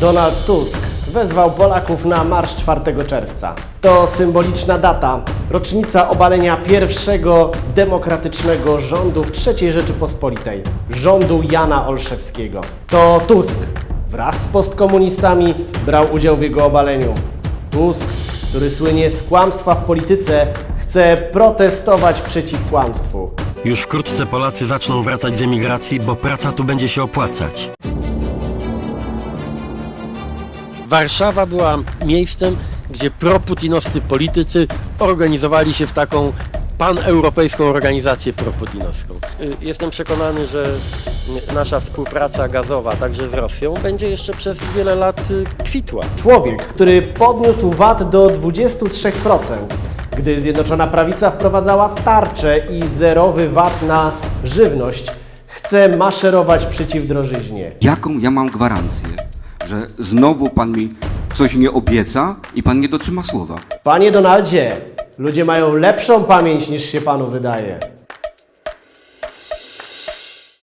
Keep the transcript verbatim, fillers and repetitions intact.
Donald Tusk wezwał Polaków na marsz czwartego czerwca. To symboliczna data, rocznica obalenia pierwszego demokratycznego rządu w trzeciej Rzeczypospolitej, rządu Jana Olszewskiego. To Tusk wraz z postkomunistami brał udział w jego obaleniu. Tusk, który słynie z kłamstwa w polityce, chce protestować przeciw kłamstwu. Już wkrótce Polacy zaczną wracać z emigracji, bo praca tu będzie się opłacać. Warszawa była miejscem, gdzie proputinowscy politycy organizowali się w taką paneuropejską organizację proputinowską. Jestem przekonany, że nasza współpraca gazowa, także z Rosją, będzie jeszcze przez wiele lat kwitła. Człowiek, który podniósł V A T do dwudziestu trzech procent, gdy Zjednoczona Prawica wprowadzała tarczę i zerowy V A T na żywność, chce maszerować przeciw drożyźnie. Jaką ja mam gwarancję, że znowu pan mi coś nie obieca i pan nie dotrzyma słowa? Panie Donaldzie, ludzie mają lepszą pamięć niż się panu wydaje.